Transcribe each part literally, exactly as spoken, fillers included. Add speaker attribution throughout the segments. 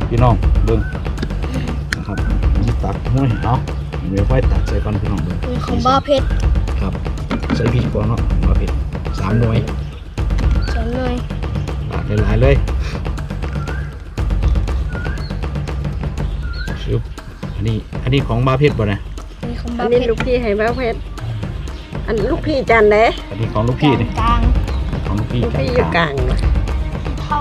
Speaker 1: พี่น้องเบิ้งนะครับตักห้วยเนาะเดี๋ยวค่อยตักใส่ก่อนพี่น้องเบิ้ง
Speaker 2: ของบ้าเพชร
Speaker 1: ครับใส่พริกก่อนเนาะบ้าเพชรสามหน่วย
Speaker 2: สามหน่วย
Speaker 1: ตักหลายๆเลยชุบอันนี้อันนี้ของบ้าเพชรบ่นะ
Speaker 2: อันนี้ของ
Speaker 3: บ้าเพชรลูกพี่ให้บ้าเพชรอันลูกพี่จันเด้
Speaker 1: อันนี้ของลูกพี่นี่
Speaker 2: กลาง
Speaker 1: ของลูกพี่
Speaker 3: ลูกพี่อยู่กลาง
Speaker 2: เท่า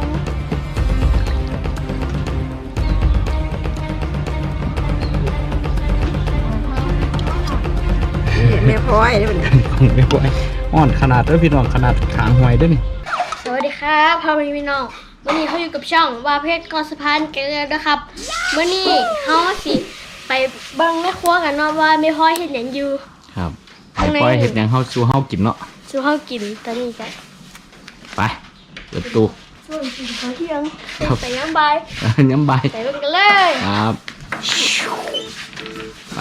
Speaker 3: แม่พลอยได้เป็น
Speaker 1: ของแม่พลอยอ่อนขนาดเด้อพี่น้องขนาดขางหอยเด้อนี่
Speaker 2: สวัสดีครับพ่อแม่พี่น้องวันนี้เขาอยู่กับช่องว่าเพชรกอสะพานเกลือนะครับวันนี้เขาสิไปเบิ่งแม่ครัวกันเนาะว่าแม่พลอยเห็นอย่างอยู่
Speaker 1: ครับแม่พลอยเห็นอย่างเฮาสู้เฮากินเนาะ
Speaker 2: สู้เฮากินตอนนี้กัน
Speaker 1: ไปเปิดตู้
Speaker 2: ส่วนกินข้าวเที่ยงใส่น้ำใบ
Speaker 1: น้ำใบ
Speaker 2: ใส่ลงกันเลย
Speaker 1: ครับไป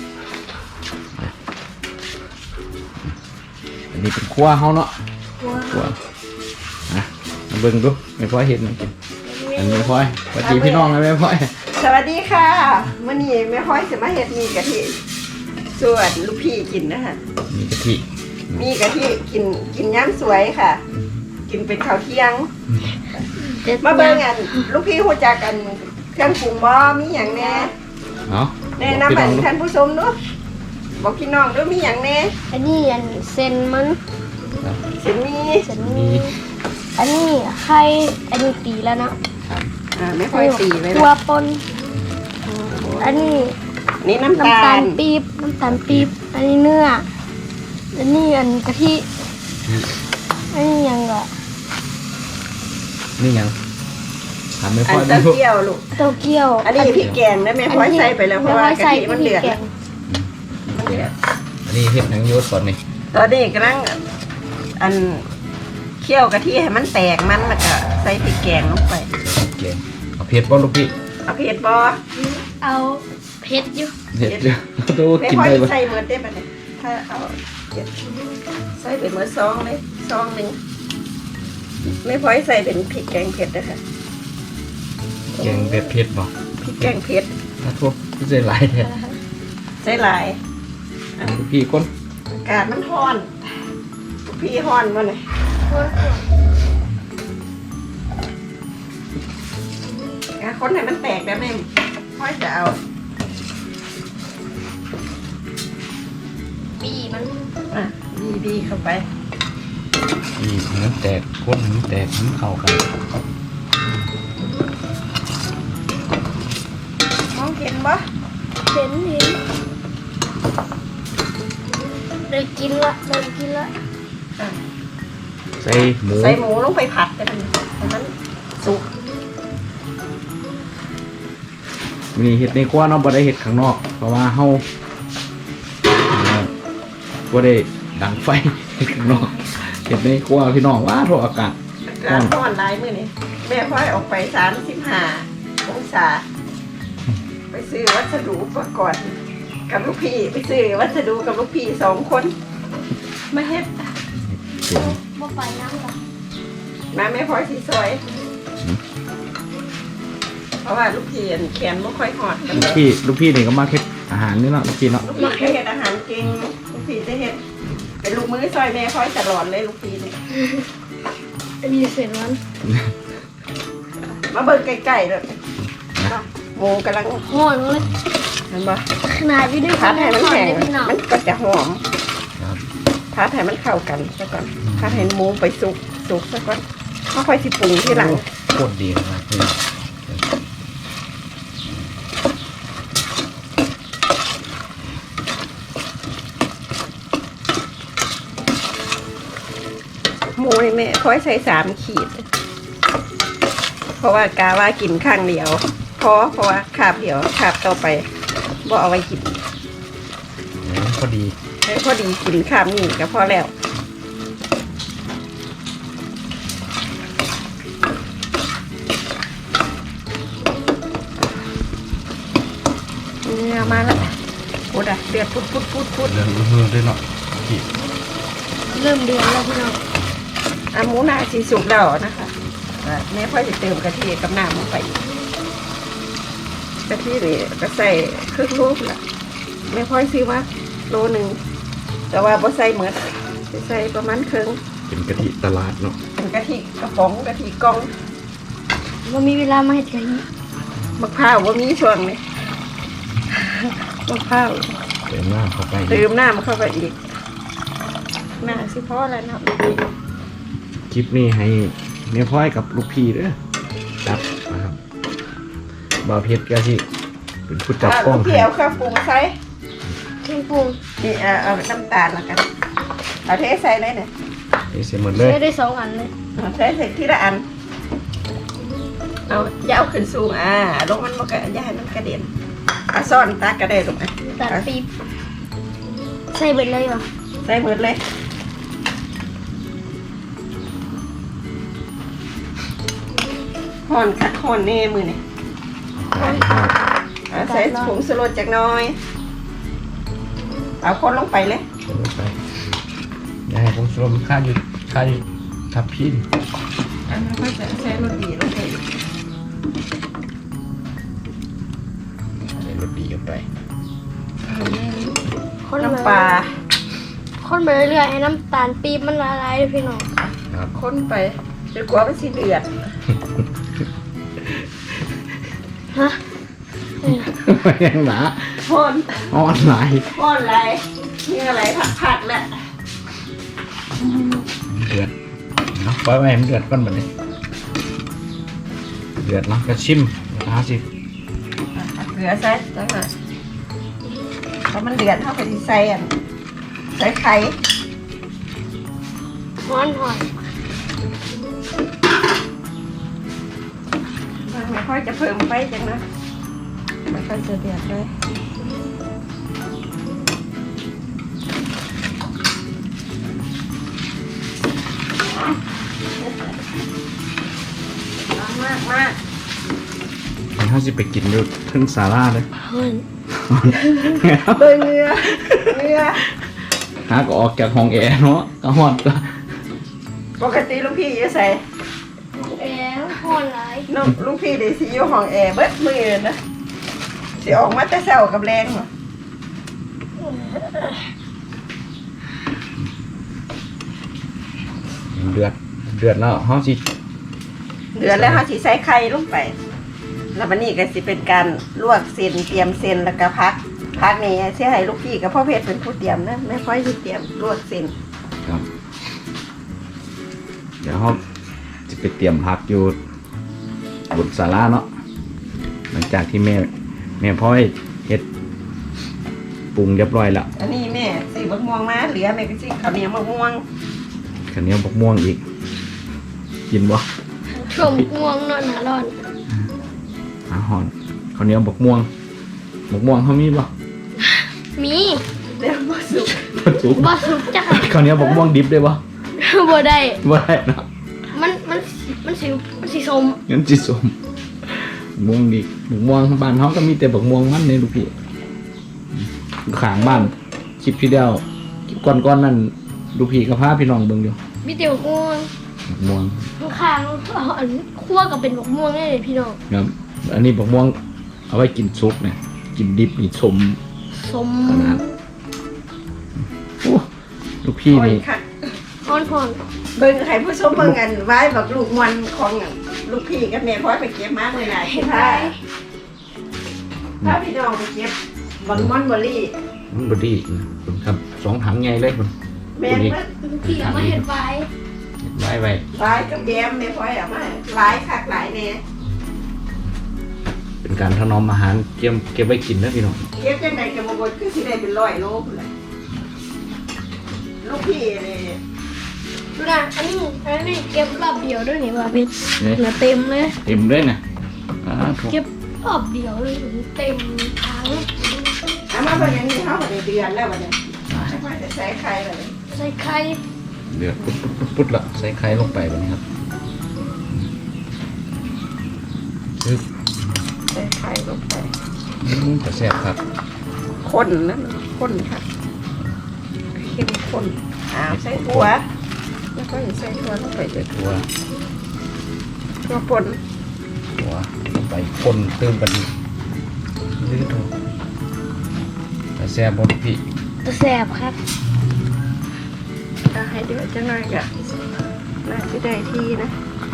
Speaker 1: อันนี้เป็นครัวเฮาเนาะครัวนะมาเบิ่งดูแม่พลอยเห็นมันกินอันนี้แม่พลอยสวัสดีพี่น้องนะแม่พลอย
Speaker 3: สวัสดีค่ะมื้อนี้แม่พลอยสิมาเฮ็ดมีกะทิส่วนลูกพี่กินนะคะ
Speaker 1: มีกะทิ
Speaker 3: มีกะทิกินกินย้ำสวยค่ะกินเป็นข้าวเที่ยงมาเบิ่งกันลูกพี่ฮู้จักกันเครื่องปรุงบ่มีหยังแน่
Speaker 1: เนาะ
Speaker 3: แนะนำให้ท่านผู้ชมดูบอกพี่น้องดูมีหยังแน่
Speaker 2: อันนี้อันเส้นมัน
Speaker 3: เส้นมี
Speaker 2: เส้นมีอันนี้ไข่อันนี้ตีแล้วเนาะ
Speaker 3: อ่าไม่ค่อยตีไว้
Speaker 2: ตัวปนอันนี้
Speaker 3: นี่น้ำตาล
Speaker 2: ปี๊บน้ำตาลปี๊บอันนี้เนื้ออันนี้อันกะทิอันนี้ยังก็
Speaker 1: นี่ยังทำไม่พอ
Speaker 3: เต้าเกี้ยวลูก
Speaker 2: เต้าเกี้ยว
Speaker 3: อันนี้พริกแกงนะแม่พลอยใส่ไปแล้วเพราะว่ากะทิมันเดือด
Speaker 1: มันเดือดอันนี้เห็ดหนังยศตอนนี้
Speaker 3: ตอนนี้กำลังอันเคี่ยวกะทิให้มันแตกมันแล้วก็ใส่พริกแกงลงไป
Speaker 1: แกงเอาเผ็ดบ่ลูกพี่
Speaker 3: เอาเผ็ดบ่
Speaker 2: เอาเผ็ดอยู่
Speaker 1: เผ็ดอยู่ดูกิน
Speaker 3: ได้
Speaker 1: บ่
Speaker 3: ใส่เหมือนได้ป่ะเนี่ยถ้าเอาใส่เป็นเหมือนซองเลยซองหนึ่งไม่พอใส่เป็นพริกแกงเผ็ดนะคะ
Speaker 1: แกงเผ็ดเผ็ดบ่
Speaker 3: พริกแกงเผ็ด
Speaker 1: ถ้าทุบใส่หลายแท้
Speaker 3: ใส่หลาย
Speaker 1: ลูกพี่ก้น
Speaker 3: อากาศมันร้อนลูกพี่ร้อนมาเลยคนไหนมันแตกแล้วแม่พ่อจะเอา
Speaker 2: บีมัน
Speaker 3: อ่ะบีบีเข้าไป
Speaker 1: บีมันแตกคนมันแตกมันเข้ากัน
Speaker 3: มองเห็นปะ
Speaker 2: เห็นเห็นได้กินละได้กินละ
Speaker 1: ใส่หมู
Speaker 3: ใส่หมูลงไปผัดแต่มันมันสุก
Speaker 1: มีเห็ดในครัวเนาะบ่ได้เห็ดข้างนอกเพราะว่าเฮาบ่ได้ดังไฟเห็ดข้างนอกเห็ดในครัวพี่น้องว่าโทษอากาศ
Speaker 3: ร้อนร้อนหลายมื้อนี้แม่พ่อยออกไปสามสิบห้าองศาไปซื้อวัสดุอุปกรณ์กับลูกพี่ไปซื้อวัสดุกับลูกพี่สองคนมาเฮ็ด
Speaker 2: บ่ไปน้ำหรอ
Speaker 3: มาแม่พ่อยสิซอยเพราะว่าลูกพี่แขนไม่ค่อยหอด
Speaker 1: ลูกพี่ลูกพี่นี่ก็มาเฮ็ดอาหารนี่เนาะลูกพี่เนาะ
Speaker 3: ลูกพี่เฮ็ดอาหารเก่งลูกพี่จะเฮ็ดเป็นลูกมือซอยแม่ค่อยตลอดเลยลูกพี่นี่
Speaker 2: อันนี้เสร็จแล้ว
Speaker 3: มาเบิ่งใกล้ๆเลยหมูกำลัง
Speaker 2: หอมเลย
Speaker 3: เห็นปะ
Speaker 2: ขนาดอยู่ใน
Speaker 3: พัดให้มันแข็งมันก็จะหอมพัดให้มันเข้ากันซะก่อนพัดให้หมูไปสุกสุกซะก่อนค่อยๆสิปรุงทีหลัง
Speaker 1: โคตรดีเลย
Speaker 3: หมูนี่แม่ค่อยใส่สามขีดเพราะว่ากาว่ากินข้างเดียวพอเพราะว่าขาบเดียวขาบต่อไปบ่เอาไว้กิน
Speaker 1: พอดี
Speaker 3: ให้พอดีกินขาบนี่ก็พอแล้วเนี่ยมาแล้วโอ้ดะเดือดพุดพุดพุดพุด
Speaker 1: เดือดเรื่อยๆเนาะ
Speaker 2: เริ่มเดือดแล้วพี่น้อง
Speaker 3: อ่ะหมูนาสีสุกแล้วนะคะแม่พ่อจะเติมกะทิกับน้ำลงไปะทินี่ก็ใส่ครึ่งลูกละไม่ค่อยซื้อมาโลหนึ่งแต่ว่าบ่ใส่หมดใส่ประมาณครึ่ง
Speaker 1: เป็นกะทิตลาดเนาะ
Speaker 3: เป็นกะทิกระป๋องกะทิกล่อง
Speaker 2: ว่ามีเวลามาเห็ดกะทิ
Speaker 3: มะพร้าวว่ามีช่วงนี้มะพร้าว
Speaker 1: เติมน้ำเข้าไป
Speaker 3: เติมน้ำเข้าไปอีกน่าสิพอแล้วเนาะ
Speaker 1: คลิปนี้ให้แม่พ่อยกับลูกพี่เด้อจับนะครับบ่าวเพชรก็สิเป็นผู้จับกล้อง
Speaker 3: เกี่ยวข้าวปรุงใส่
Speaker 2: เครื่องปรุง
Speaker 3: นี่เอาเอาน้ำตาลแล้วกันเอาเทใส่เลยเนี่ย
Speaker 1: ให้เสร็จหมดเลย
Speaker 2: ใช้ได้สองอันเลย
Speaker 3: เอาใส่ใส่ทีละอันเอาอย่าเอาขึ้นสูงอ่าลงมันมันก็อย่าให้มันกระเด็นเอาซ่อนตากระเด็นลงไป
Speaker 2: ตัดปี๊บใส่เบิดเลยเหรอ
Speaker 3: ใส่หมดเลยห่อนคักห่อนแน่มือนี่ อ่ะใส่ผงชูรสจากหน้อยเอาคนลงไปเลย
Speaker 1: ใส่ลงไปอย่าให้ผงชูรสมันค่าอยู่ค่าอยู่ทับพิน
Speaker 3: อันนั้นก็จะใส่รสดีลงไปอีก
Speaker 1: ใส่รสดีกันไป
Speaker 2: คนไป
Speaker 3: น้ำปลา
Speaker 2: คนไปเรื่อยๆให้น้ำตาลปี๊บมันละลายเลยพี่น้อง
Speaker 1: ครับ
Speaker 3: คนไปจนกว่ามันสิเดือด
Speaker 2: ฮะ
Speaker 1: ยังหนา
Speaker 3: ห่อน
Speaker 1: อ่อนหลาย
Speaker 3: ห่อนอะไรนี่อะไรผัดๆแหละ
Speaker 1: เดือดเนาะปล่อยไว้ให้มันเดือดก่อนบัดนี้เดือดเนาะก็ชิมนะครับสิ
Speaker 3: เอาเกลือใส่จังหน่อยพอมันเดือดเท่ากับที่ใส่อันใส่ไข่
Speaker 2: ฮ้อนหอย
Speaker 3: มันไม่ค่อยจะเพิ่มไฟจังนะไม่ค่อยจะเดือดเลยมากมาก
Speaker 1: เดี๋ยวเขาจะไปกินอยู่ทึ่งซาร่าเลย
Speaker 2: ฮ้อน
Speaker 3: เบอร์เงือเงือ
Speaker 1: หาก็ออกจากห้องแอร์เนาะก็ฮอดก็
Speaker 3: ปกติลูกพี่จะใส่
Speaker 2: แอร์ฮ้อนหลาย
Speaker 3: น้องลูกพี่ได้สิอยู่ห้องแอร์เบิดมือนะสิออกมาแต่เช้ากับแรงเหรอ
Speaker 1: เดือดเดือดแล้วเขาสิ
Speaker 3: เดือดแล้วเขาสิใส่ไข่ลงไป แล้ววันนี้ก็สิเป็นการลวกเส้นเตรียมเส้นแล้วก็พักพักนี่สิให้ลูกพี่กับพ่อเพชรเป็นผู้เตรียมนะไม่ค่อยสิเตรียมลวกเส้น
Speaker 1: ครับ เดี๋ยวเขาจะไปเตรียมผักอยู่บนศาลาเนาะหลังจากที่แม่แม่พ่อยเฮ็ดปรุงเรียบร้อยแล้ว
Speaker 3: อันนี้แม่สีบักม่วงมาเหลือแม่ก็สิข้าวเหนียวมะม่วง
Speaker 1: ข้าวเหนียวบักม่วงอีก กินบ่
Speaker 2: ช่วงง่วงนอนหาร้อน
Speaker 1: อาหอนข้าวเหนียวบักม่วงบักม่วงเขามีบ่
Speaker 2: มี
Speaker 3: เดี๋ยวมาสุก
Speaker 1: บ่จุก
Speaker 2: บ่สุกจ้ะ
Speaker 1: ข้าวเหนียวบักม่วงดิบได้บ่
Speaker 2: บ่ได้
Speaker 1: บ่ได้เนาะ
Speaker 2: มันมันมันสีมันสีส้ม
Speaker 1: งั้นจิสมม่วงดิบักม่วงบ้านเขาก็มีแต่บักม่วงมันในลูกพี่ขางบ้านคลิปที่เดียวคลิปก่อนๆนั่นลูกพี่กับพาพี่น้องเบิ่งอยู่
Speaker 2: มีแต่บกม่วง
Speaker 1: บักม่วง
Speaker 2: ข้างๆเอาอันคั่วกับเป็นบกม่วงได้เลยพี่น้อง
Speaker 1: ครับอันนี้บักม่วงเอาไว้กินซุปเนี่ยกินดิบนี่สม
Speaker 2: ส้ม
Speaker 1: ขนาดโอ้ลูกพี่
Speaker 3: โอ้ย
Speaker 1: นี่
Speaker 3: ค่ะ
Speaker 2: ฮ้อนฮ้อน
Speaker 3: เบิ่งให้ผู้ชมเบิ่งกันไว้บักลูกมวนของลูกพี่กับแม่พ่อยไปเก็บมาเมื่อไหร่
Speaker 2: เห็นไหม
Speaker 3: ถ้าถ้าพี่น้องไปเก็บบักม่อนบอรี่
Speaker 1: มันบดีนะคุณครับสองถังใหญ่เลยคุณ
Speaker 3: แม่นเบิด
Speaker 2: พี่เอามาเห็ดไว้
Speaker 1: ไว้ไว้
Speaker 3: หลายกับแยมแม่พ่อยเอามาหลายคักหลายแน่
Speaker 1: เป็นการถนอมอาหารเก็บเก็บไว้กินนะพี่น้อง
Speaker 3: เก็บจังไดก็บ่บ่คือสิได้เป็นร้อยโลพุ่นแหละลูกพี่นี่
Speaker 2: ดูนะอันนี้อันนี้เก็บรอบเดียวด้วยนี่ว่าพี่
Speaker 1: เนี่ย
Speaker 2: เหลือเต็มเลย
Speaker 1: เต็มเลยนะอ่าถูก
Speaker 2: เก็บรอบเดียวเลยเต็มถัง
Speaker 3: เอามาบัดนี้เฮาก็ได้เดือนแล้วบัดนี้ไม่ค่อยจะใส่ไข่เลย
Speaker 2: ใส่ไข่
Speaker 1: เดือดปุ๊บปุ๊บปุ๊บปุ๊บละใส่ไข่ลงไปแบบนี้ครับปึ๊บ
Speaker 3: ใส่ไข่ลงไป
Speaker 1: อืมจะแซ่บครับ
Speaker 3: คนนั่นคนค่ะเข้มข้นอ้าวใส่ถั่วแล้วก็ใส่ถั่วลงไปเลย
Speaker 1: ตัว
Speaker 3: ถั่วป่น
Speaker 1: ตัวลงไปคนเติมกันลื้อถูกแต่แซ่บบดพี่
Speaker 2: ตัวแซ่บครับ
Speaker 3: จะให้เดือดจังหน่อยกะน่าจะได้ที่นะ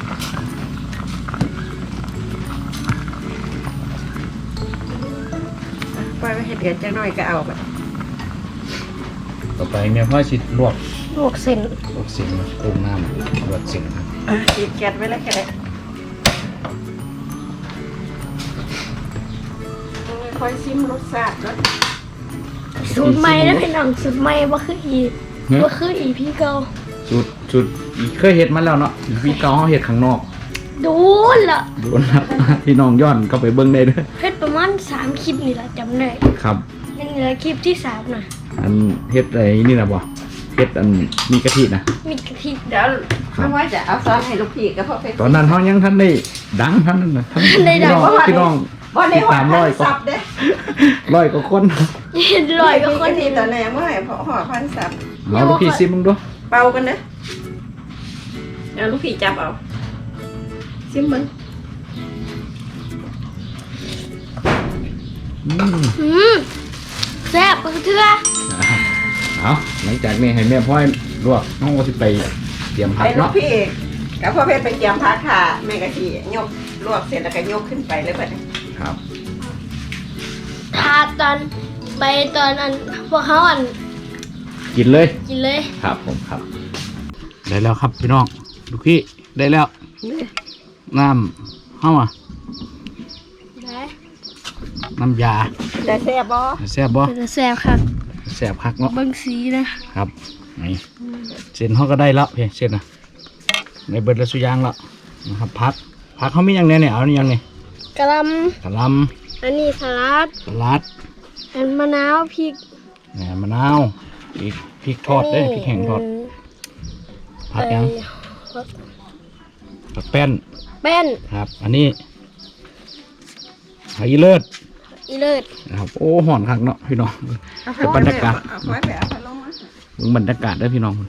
Speaker 3: ปล่อยไปให้เดือดจังหน่อยก็เอาแบบ
Speaker 1: ต่อไปแม่พ่อชิดลวก
Speaker 2: ลวกเส้น
Speaker 1: ลวกสิงปรุงน้ำลวกสิงครับ
Speaker 3: อ่ะฉีดแก๊สไว้แล้วก็ได้ค่อยซิมรสชาติรส
Speaker 2: สูตรใหม่แล้วพี่น้องสูตรใหม่บ่คืออีบ่คืออีพี่เก่า
Speaker 1: จุดจุดเคยเห็ดมาแล้วเนาะพี่เกาเขาเห็ดข้างนอก
Speaker 2: ดูละ
Speaker 1: ดูนะพี่น้องย้อนก็ไปเบิ้งได้เด้วย
Speaker 2: เฮ็ดประมาณสามคลิปนี่ล่ะจำได้
Speaker 1: ครับ
Speaker 2: นั่นเหลือคลิปที่สามน่ะ
Speaker 1: อันเห็ดอะไรนี่นะบ่เห็ดอันมีกะทินะ
Speaker 2: มีกะทิ
Speaker 3: เดี๋ยวไม่ว่าจะเอาซอสให้ลูกพี่กับพ่อเพชร
Speaker 1: ตอนนั้นเขายังท่านได้ดังท่านนั้นนะท่าน
Speaker 2: ได้ดัง
Speaker 1: พี่น้อง
Speaker 3: บ่ได้
Speaker 1: ติด
Speaker 3: หอ
Speaker 1: ตา
Speaker 3: ด
Speaker 1: มร้อยก็
Speaker 3: สับเด้
Speaker 1: ร้อยก็คน
Speaker 2: เห็นรอยก็คน
Speaker 3: นี้
Speaker 2: นี้
Speaker 3: ตอนแรกเมื่อไหร่พอหอดพันสับ
Speaker 1: เอาลูกพี่ซิมมึงดู
Speaker 3: เป่ากันนะเอาลูกพี่จับเอาซิมมึง
Speaker 1: อืม
Speaker 2: อืมแซ่บปะเทื่อ
Speaker 1: เอาหลังจากนี้ให้แม่พ่อยลวกน้องก็สิไปเตรียมผั
Speaker 3: ไป
Speaker 1: ก
Speaker 3: ลูก
Speaker 1: เนาะ
Speaker 3: พี่กับพ่อเพชรไปเกี่ยมพักค่ะแม่กะทิยกลวกเสร็จแล้วก็ยกขึ้นไปเลยเพื่อน
Speaker 1: ครับ
Speaker 2: ทาตอนไปตอนอันพวกเขาอัน
Speaker 1: กินเลย
Speaker 2: กินเลย
Speaker 1: ครับผมครับได้แล้วครับพี่น้องลูกพี่ได้แล้วน้ำเฮ้าอ่ะ
Speaker 2: ได้
Speaker 1: น้ำยา
Speaker 3: ได้แซ่บบ่
Speaker 1: แซ่บบ่
Speaker 2: เป็นแซ่บครับ
Speaker 1: แซ่บคักเนาะ
Speaker 2: เบิ่งสีนะครับ
Speaker 1: นี่เส้นเขาก็ได้แล้วเพียงเส้นนะในเบิดและสุยางแล้วนะครับพักพักเขามีอย่างเนี้ยเนี่ยเอานี่ยังเนี่ย
Speaker 2: กะหล่
Speaker 1: กะหล่
Speaker 2: ำอันนี้สลัด
Speaker 1: ำสลัด
Speaker 2: อันมะนาวพริก
Speaker 1: แหนมมะนาวพริกพริกทอดได้พริกแห้งทอดผักยัง
Speaker 2: เอ่อ
Speaker 1: ผักแป้น
Speaker 2: แป้น
Speaker 1: ครับ อันนี้ผักอีเลิศ
Speaker 2: อีเลิศ
Speaker 1: นะครับโอ้ห่อนคักเนาะพี่น้องเป็นบรรยากาศ
Speaker 3: เอาไว้ไปเอาไปลงมา
Speaker 1: มึงบรรยากาศได้อพี่น้อง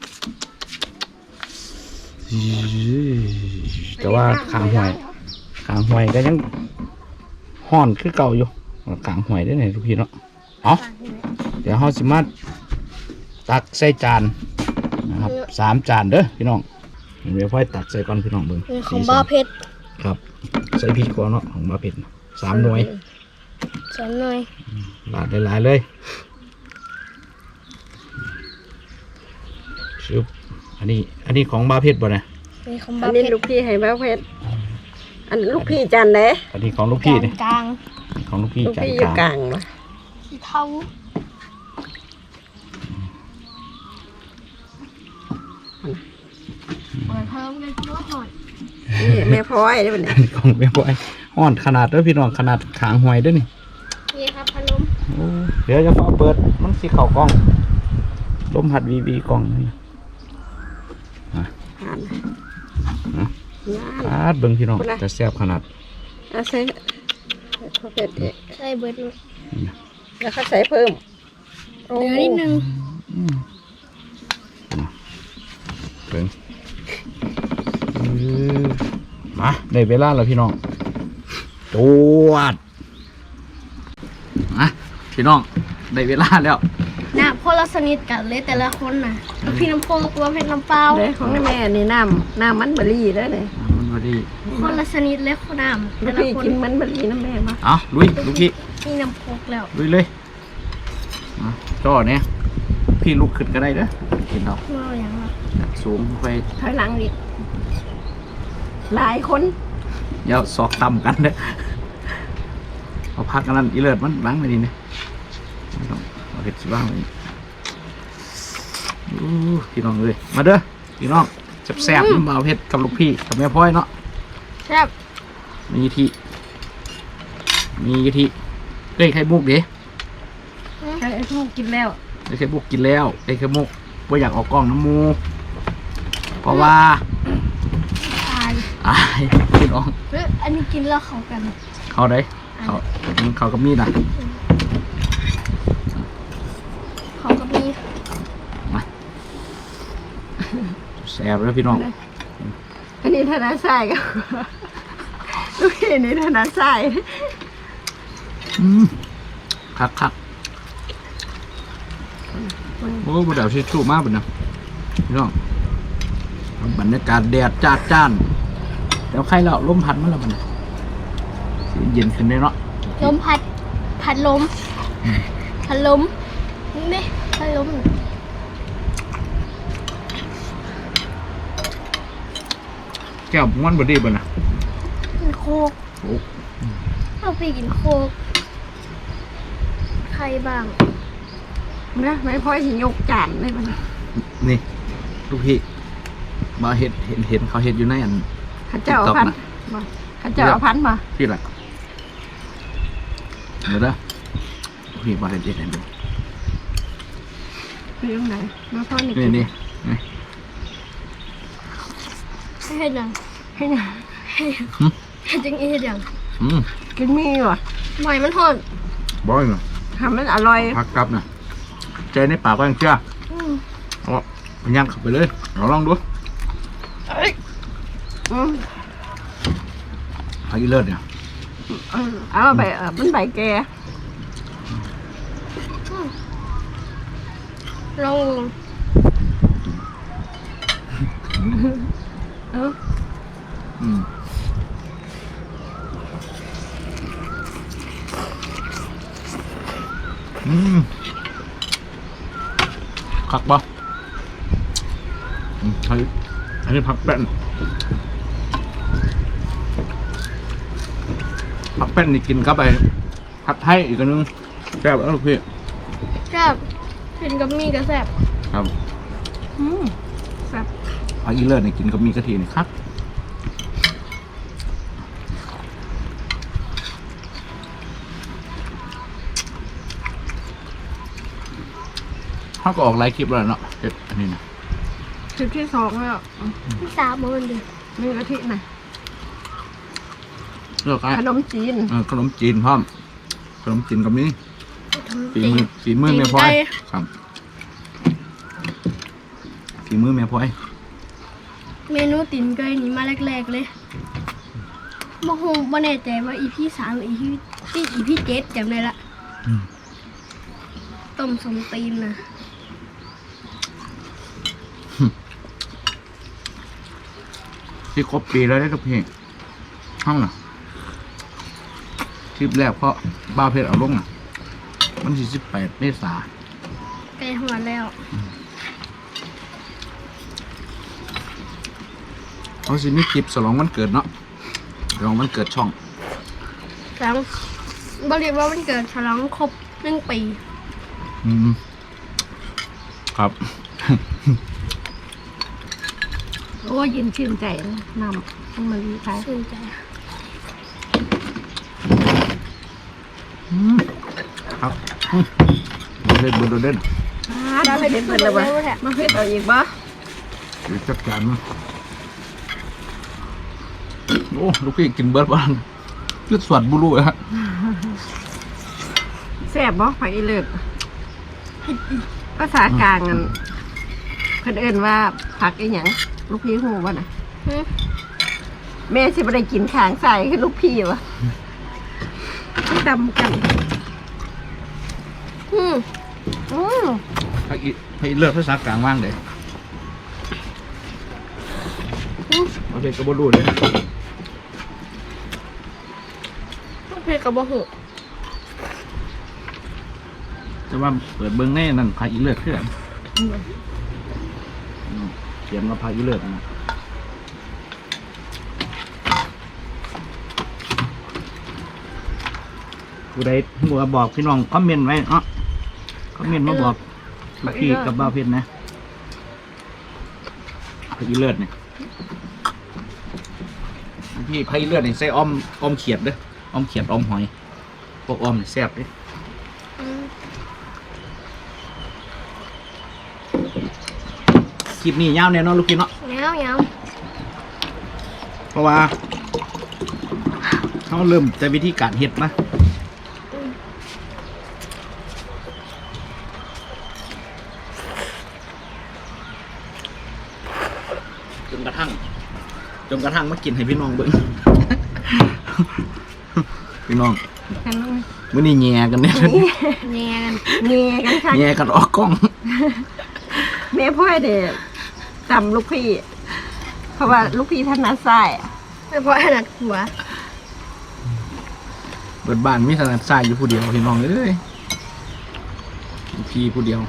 Speaker 1: แต่ว่าขางห่วยขางห่วยก็ยังห่อนคือเก่าอยู่ขางห่วยได้ไหนทุกพี่เนาะเอาเดี๋ยวเราสิมาตักใส่จานนะครับสามจานเด้อพี่น้องเดี๋ยวพ่อยตักใส่ก่อนพี่น้องเบิ่ง
Speaker 2: เป็นของบ้าเพชร
Speaker 1: ครับใส่พริกก่อนเนาะของบ้าเผ็ดสามหน่วย
Speaker 2: สอนหน่อย
Speaker 1: ลาดหลายๆเลยชึบอันนี้อันนี้ของบ้าเผ็ดบ่เนี่ย
Speaker 2: เป็นของ
Speaker 3: อั
Speaker 2: บ้าน เพ
Speaker 3: นี้
Speaker 2: ชร
Speaker 3: ลูกพี่ให้บ้าเพชรอันลูกพี่จันเด้
Speaker 1: อันนี้ของลูกพี่เนี่ย
Speaker 2: กลาง
Speaker 1: ของลูกพี่
Speaker 3: ลูก
Speaker 1: จาน
Speaker 3: พี่อก ยู่
Speaker 1: ลาง
Speaker 3: กลางว่ะ
Speaker 2: สีเทาเปิดเพิ่มเลยลดหน่อย
Speaker 3: นี่แม่พลอยได้ปะเนี่ย
Speaker 1: อันนี้ของแม่บอยอ่อนขนาดเด้อพี่น้องขนาดขางหวยเด้อนี่
Speaker 2: นี่ครับพนม
Speaker 1: โอ้เดี๋ยวจะฟ้าเปิดมันสิเข่ากล้องลมหัดวีวีกล้องนี่
Speaker 3: ผ่านงาน
Speaker 1: อาดเบิ่งพี่น้องจะแซ่บขนาด
Speaker 3: เอาใส่พ่อเพชรเอก
Speaker 2: ใส่เบิร์ด
Speaker 3: แล้วเขาใส่เพิ่ม
Speaker 2: เหลือนิดนึง
Speaker 1: อืมเบิ่งอื้อมาได้เวลาแล้วพี่น้องจวดมาพี่น้องได้เวลาแล้ว
Speaker 2: น้ำคนละสนิทกันเลยแต่ละคนน่ะพี่น้ำโพกตัวเพชรน้ำเปล่า
Speaker 3: เลยของแม่นี่น้ำน้ำมันเบอร์รี่เด้อเนี่ย
Speaker 1: มันพอดี
Speaker 2: คนละสนิทเลยคนน้ำ
Speaker 3: ลู
Speaker 2: แต่
Speaker 3: ก
Speaker 2: ละ
Speaker 3: พี่
Speaker 2: คน
Speaker 3: กินมันเบอร์รี่น้ำแม่มา
Speaker 1: เอาลุยลูกพี่
Speaker 2: มีน้ำโพกแล้ว
Speaker 1: ลุยเลยมาจ่อเนี่ยพี่ลุกขึ้นก็ได้เด้อกินเรา
Speaker 2: เราอย่างเรา
Speaker 1: จากสูงไป
Speaker 3: ถอยหลังดิหลายคน
Speaker 1: เดี๋ยวซอกต่ำกันเด้อเอาพักกันนั่นอีเลิศมันล้างไปดีเนี่ยไม่ต้องเอาเห็ดสิบ้างเลยอู้พี่น้องเลยมาเด้อพี่น้องแซ่บๆน้ำเบาเผ็ดกับลูกพี่กับแม่พ่อยเนาะ
Speaker 2: แซ่บ
Speaker 1: มีกะทิมีกะทิเด้ยไข่มุกเด้
Speaker 3: ใช่พวกกินแล้ว
Speaker 1: ได้ไข่มุกกินแล้วได้ไข่มุกว่าอยากออกกล้องน้ำมูเพราะว่า
Speaker 2: ตาย
Speaker 1: อายพี่น้อง
Speaker 2: เฮ้ยอันนี้กินแล้วเขากัน
Speaker 1: เขาได้เขาเขากับมีดอ่ะ
Speaker 2: เขาก็มี
Speaker 1: มาแซ่บเลยพี่น้อง
Speaker 3: อันนี้ธนาทรายก็ ลูกพี่นี่ธนาทราย
Speaker 1: อืมคักคักโอ้บดเดาชิชูมากเลยนะพี่น้องบรรยากาศแดดจ้าจ้านแล้วใครเราลมพัดมั้งล่ะมันเย็นขึ้นได้เนาะ
Speaker 2: ลมพัดพัดลมพัดลมนี่พัดลม
Speaker 1: แก้วม้วนบดีบ่นะ
Speaker 2: กินโคก
Speaker 1: โอ้
Speaker 2: เอาไปกินโคกใครบ้าง
Speaker 3: นะไม่พ่อยสิยกจานเลยมัน
Speaker 1: นี่ลูกพี่มาเห็ดเห็นเห็นเขาเห็ดอยู่ในอัน
Speaker 3: ข้าเจ้าเอาพันมาข้าเจ้าเอาพันมา
Speaker 1: พี่อะไรเดี๋ยวนะลูกพี่มาเห็ดเห็ดเห็นดู
Speaker 3: คือตรงไหนมาพ่อนี่
Speaker 1: นี่นี่นี่
Speaker 2: ให้ดัง
Speaker 3: ให้หน่ะ
Speaker 2: ให้จังอีให้ดัง
Speaker 1: อืม
Speaker 3: กินมีวะ
Speaker 2: หอยมันหอน
Speaker 1: บอยเนาะ
Speaker 3: ทำมันอร่อย
Speaker 1: พักกลับนะใจในปากก็ยังเชื่อ
Speaker 2: อืม
Speaker 1: เอาไปย่างเข้าไปเลยเราลองดู
Speaker 2: เอ้ย
Speaker 3: อืม
Speaker 1: พักอีเลิศเนี่ย
Speaker 3: เอาเอาใบเออมันใบแก่
Speaker 2: ลอง
Speaker 3: เออ
Speaker 1: อืมอืมคักปะอืมอันนี้อันนี้ผักแป้นผักแป้นนี่กินเข้าไปผัดไทยอีกอันนึงแซ่บแล้วลูกพี่
Speaker 2: แซ่บกินกับมีก็แซ่บ
Speaker 1: ครับ
Speaker 3: อืมแซ่บ
Speaker 1: ผักอีเลิศนี่กินกับมีกะทินี่ครับเขาก็ออกไลฟ์คลิปแล้วเนาะเฮ็ดอันนี้นะ
Speaker 3: คลิปที่สองแล้ว
Speaker 2: ที่สามมันดิ
Speaker 3: มีกะทิน่ะ
Speaker 1: เลือก
Speaker 3: ขนมจีน
Speaker 1: เออขนมจีนพร้อมขนมจีนกับนี้ฝีมือฝีมือแม่พลอยครับฝีมือแม่พลอย
Speaker 2: เมนูติ่นไก่นี่มาแรกๆเลยบ่ฮู้บ่แน่ใจว่าอีพีสามหรืออีพีที่อีพีเจ็ดจำได้ละต้มสมตีนนะ
Speaker 1: ที่ครบปีแล้วได้ทุกเพลงห้องน่ะคลิปแรกเพราะบ้าเพชรเอาลงอ่ะมันสี่สิบแปดเมษา
Speaker 2: ไก่หัวแล้ว
Speaker 1: เขาสิมีคลิปฉลองวันเกิดเนาะฉลองวันเกิดช่อง
Speaker 2: ฉลองบริว่าวันเกิดฉลองครบหนึ่งปี
Speaker 1: อืมครับ
Speaker 3: โอ้ยินชื่นใจนะนำต้องมาลีไป
Speaker 2: ชื่นใจ
Speaker 1: อืมครับอืมเล่นเบอร์โดเด่น
Speaker 3: ได้ไปเด็ดเพิ่นแล้ววะมาเฮ็ดเอาอีกบ่
Speaker 1: หรือจัดการมั้งโอ้ลูกพี่กินเบิร์ดบ้านยืดสวดบุรุษฮะ
Speaker 3: แซ่บบ่ผักอีเลิศภาษากลางอันเพิ่นเอิ้นว่าผักอีหยังลูกพี่ฮู้บ่น่ะ
Speaker 2: หึ
Speaker 3: แม่สิบ่ได้กินข้างใส่คือลูกพี่วะดำกัน
Speaker 2: อืม
Speaker 3: อืม
Speaker 1: ไอ้ไอ้เลือดภาษากลางว่างเลย
Speaker 2: อืม
Speaker 1: โอเคก็บุรุษเลย
Speaker 2: เพชรกับบ่หู
Speaker 1: จะว่าเปิดเบิ้งแน่นั่นพาอีเลือดเพื่อนเขียนว่าพาอีเลือดนะผู้ใดบัวบอกพี่น้องคอมเมนต์ไว้เนาะคอมเมนต์มาบอกพี่กับบ้าวเพชรนะพาอีเลือดเนี่ยพี่พาอีเลือดเนี่ยใส่อ้อมอ้อมเขียดเด้ออ้อมเขียดอ้อมหอยพวกอ้อมเนี่ยแซ่บเด้
Speaker 2: อืม
Speaker 1: คลิปนี้ยาวแน่นอนลูกพี่เนาะ
Speaker 2: เงาเงา
Speaker 1: เพราะว่าเขาเริ่มแต่วิธีการเฮ็ดนะจนกระทั่งจนกระทั่งมากินให้พี่น้องเบิ่ง พี่น้อง
Speaker 3: กันน้อง
Speaker 1: มื้อนี้แย่กันเนี่ย
Speaker 2: แง่กัน
Speaker 3: เงียกันค่ะ
Speaker 1: แย่กันออกกล้อง
Speaker 3: แม่พ่อยเด็กจำลูกพี่ เพราะว่าลูกพี่ท่านนัดไส้อะ
Speaker 2: ไม่พอขนาดหัว
Speaker 1: เบิดบ้านมีถนัดซ้ายอยู่ผู้เดียวพี่น้องเอ้ยพี่ผู้เดียว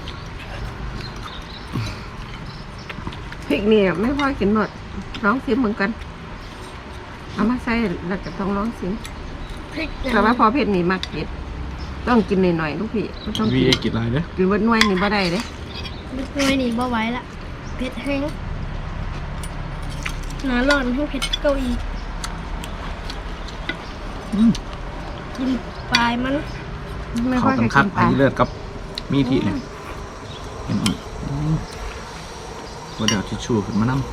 Speaker 3: พริกเนี่ยไม่พ่อยกินหมดร้องซิมเหมือนกันเอามาใส่แล้วก็ต้องร้องซิม
Speaker 2: พริก
Speaker 3: แต่ว่าพอเผ็ดนี่มักเผ็ดต้องกินหน่อยๆลูกพี่ไม่ต้อง
Speaker 1: วี
Speaker 3: กิน
Speaker 1: เอกินอะไรเด้อ
Speaker 3: กินวันหน่วยนี่บ่ได้เด้
Speaker 2: เล็กน้อยนี่บ่ไหว้ละเผ็ดแห้งหนาร้อนให้เผ็ดเกาอีก
Speaker 1: อืม
Speaker 2: กินปลายมัน
Speaker 3: ไม่
Speaker 1: เข้า
Speaker 3: ค่อย
Speaker 1: กั
Speaker 3: จะ
Speaker 1: นคั
Speaker 3: กิ
Speaker 1: ก
Speaker 3: นป
Speaker 1: ไอ้
Speaker 3: ลา
Speaker 1: เลือดกับมีทีเนี่ยเห็นอีกอืมว่าเดี๋ยวทิชชู่ขึ้นมานั่ง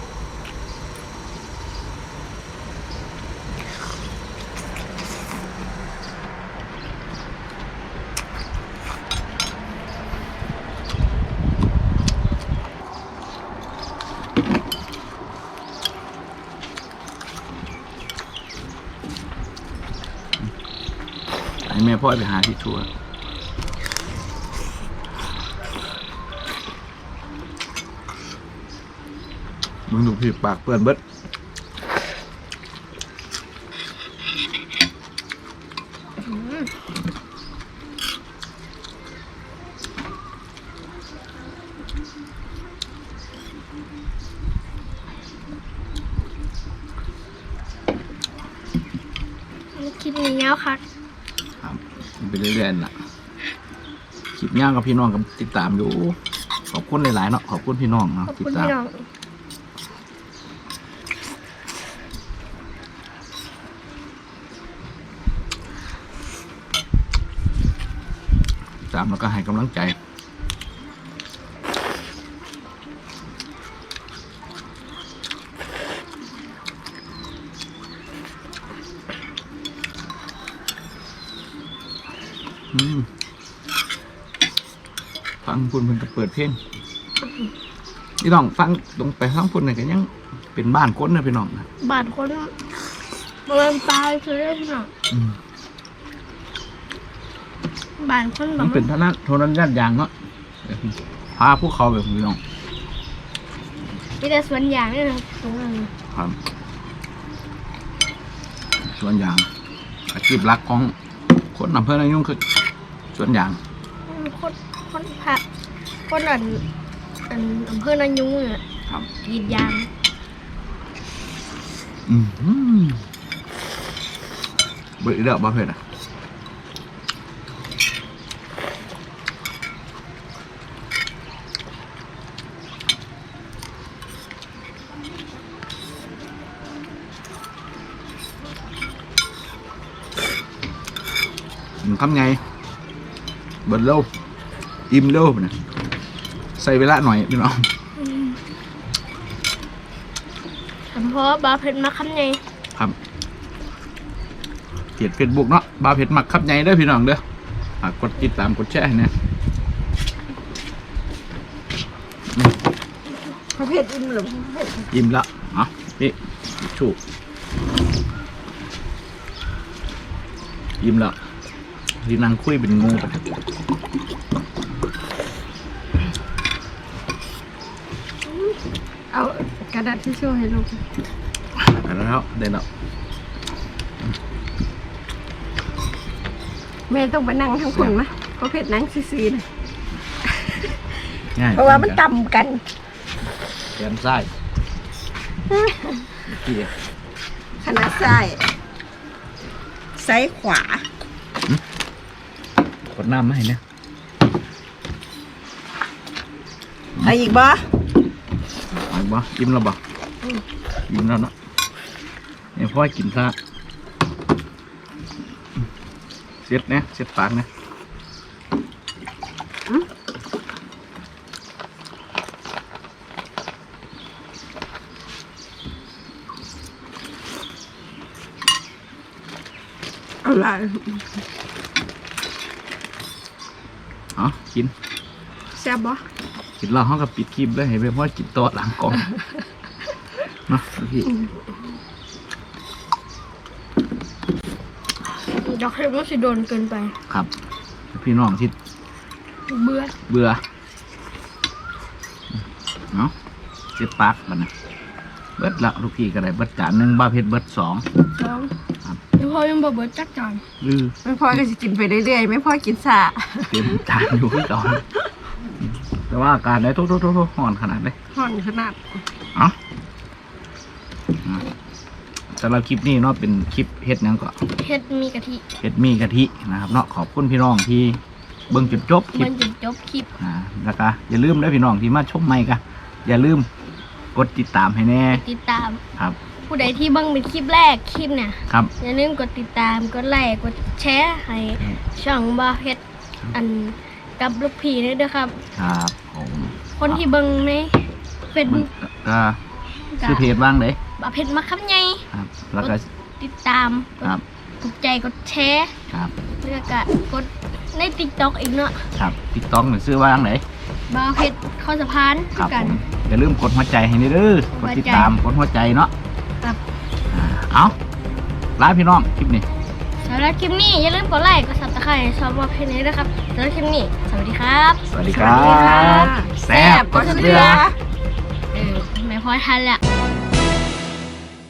Speaker 1: ไอ้แม่พ่อไปหาทิชชู่อะมึงดูพี่ปากเปื้อนเบิด
Speaker 2: คลิปนี้ยาวคัก
Speaker 1: ครับไปเรื่อยๆน่ะคลิปย่างกับพี่น้องกับติดตามอยู่ขอบคุณหลายๆเนาะขอบคุณพี่น้องเนาะ
Speaker 2: ขอบ
Speaker 1: ติด
Speaker 2: คุณ
Speaker 1: ตาม
Speaker 2: พี่น้อง
Speaker 1: ตามแล้วก็ให้กำลังใจอืมฟังพูดเพิ่นก็เปิดเพลงพี่น้องฟังลงไปฟังพูดนี่ก็ยังเป็นบ้านคนนะพี่น้องนะ
Speaker 2: บาดคนบริเวณตายคือได้พี่น้อง
Speaker 1: อืม
Speaker 2: บาดคนแบ
Speaker 1: มั
Speaker 2: บ
Speaker 1: นเป็นท่านั้นโทนันญาติยางเนาะพาพวกเขาแบบพี่น้อง
Speaker 2: มีแต่สวนยางนี่นะตรงนั้น
Speaker 1: ครับสวนยางอาชีพหลักของคนอำเภอนายุ่งคือสวนยาง
Speaker 2: อืมคนคนผักคนอันอันอำเภอนายุงอ่ะ
Speaker 1: ครับ
Speaker 2: กรีดยาง
Speaker 1: อืมอืมเบิดอีกแล้วบ่เผ็ดอ่ะคำไงเบิดเร็วอิ่มเร็วนะใส่เวลาหน่อยพี่น้อง
Speaker 2: เพราะบาเพ็ญมาคำไง
Speaker 1: ครับเพจเฟซบุ๊กเนาะบาเพจมักขับใหญ่เด้อพี่น้องเด้อฝากกดติดตามกดแชร์ให้นะ
Speaker 3: พอเผ็ดอิ่มหรือเผ็ด
Speaker 1: อิ่มละเอ่ะนี่ชูอิ่มละที่นั่งคุยเป็นงูกัน
Speaker 3: เอากระดาษทิชชู่ให้ลูก
Speaker 1: แล้วได้แล้ว
Speaker 3: แม่ต้องไปนั่งทั้งคนมะพอเผ็ดนั่งซีๆนะ
Speaker 1: ง่าย
Speaker 3: เพราะว่ามันต่ำกัน
Speaker 1: แขนซ้ายพี่
Speaker 3: ขนาดซ้ายซ้ายขวาก
Speaker 1: ดน้ำมาให้เนี่ย
Speaker 3: เอาอีกบ่
Speaker 1: เอาบ่อิ่มแล้วบ่อิ่มแล้วเนาะเนี่ยพ่อให้กินซะเสียดเนี่ยเสียดปากเนี่ย
Speaker 3: เอาละ
Speaker 1: อ๋อกิน
Speaker 3: แซ่บบ่
Speaker 1: กินแล้วห้องกับปิดคลิปเลยให้เพื่อนพ่อกินโต๊ะหลังกล่องเนาะพี่
Speaker 2: ดอยากให้มันสิโดนเกินไป
Speaker 1: ครับ พี่น้องที่
Speaker 2: เบื่อ
Speaker 1: เบื่อเนาะเจ็บปากมันนะเบิดละลูกพี่ก็ได้เบิดจานหนึ่งบ้าเพชรเบิดสอง
Speaker 2: สอง
Speaker 1: ครับ
Speaker 2: แล้วพอยังบ่เบิดจักจาน
Speaker 1: ลือ
Speaker 3: ไม่พ่อก็จะกินไปเรื่อยๆไม่พ่อกินซา
Speaker 1: เต็มจานอยู่ที่ก่อนแต่ว่าอาการได้ทุกๆๆห่อนขนาดเลย
Speaker 3: ห่อนขนาด
Speaker 1: เอ้าอ่ะสำหรับคลิปนี้เนาะเป็นคลิปเฮ็ดหยังก็
Speaker 2: เฮ็ดมีกะทิ
Speaker 1: เฮ็ดหมีกะทินะครับเนาะขอบคุณพี่น้องที่เบิ่งจนจบคลิ
Speaker 2: มั
Speaker 1: ป
Speaker 2: นจะจบคลิป
Speaker 1: อ่าแล้วก็อย่าลืมนะพี่น้องที่มาชมใหม่ก็อย่าลืมกดติดตามให้แน่
Speaker 2: ติดตาม
Speaker 1: ครับ
Speaker 2: ผู้ใดที่เบิ่งเป็นคลิปแรกคลิปเนี่ย
Speaker 1: ครับ
Speaker 2: อย่าลืมกดติดตามกดไลค์กดแชร์ให้ช่องบ่าวเพชรอันกับลูกพี่ด้วยเด้อครับ
Speaker 1: ครับผม
Speaker 2: คนที่เบิ่งในเฟซ
Speaker 1: มัน
Speaker 2: บุ๊ก
Speaker 1: ก็ชื่อเพจว่างเด้
Speaker 2: บ่าวเพชรมาครับไง
Speaker 1: ครับ แล้วก็
Speaker 2: ติดตามกด
Speaker 1: ครับ
Speaker 2: ถูกใจกดแชร์
Speaker 1: ครับ
Speaker 2: แล้วก็กดใน TikTok อีกเนาะ
Speaker 1: ครับติ๊กต็อกหรือซื้อว่างไหน
Speaker 2: บ่าวเพชรข้อสะพาน
Speaker 1: ครับ
Speaker 2: กั
Speaker 1: ผ
Speaker 2: น
Speaker 1: มอย่าลืมกดหัวใจให้นี่เด้อกดติดตามกดหัวใจเนาะ
Speaker 2: ครับ
Speaker 1: อ่าเอาลาพี่น้องคลิปนี้
Speaker 2: สำหรับคลิปนี้อย่าลืมกดไลค์กด Subscribe ชอบบ่าวเพชรนี้ด้วยครับสำหรับคลิปนี้สวัสดีครับ
Speaker 1: สวัสดีครับ
Speaker 3: แซ่บก็เสือ
Speaker 2: เออไม่พอทันละ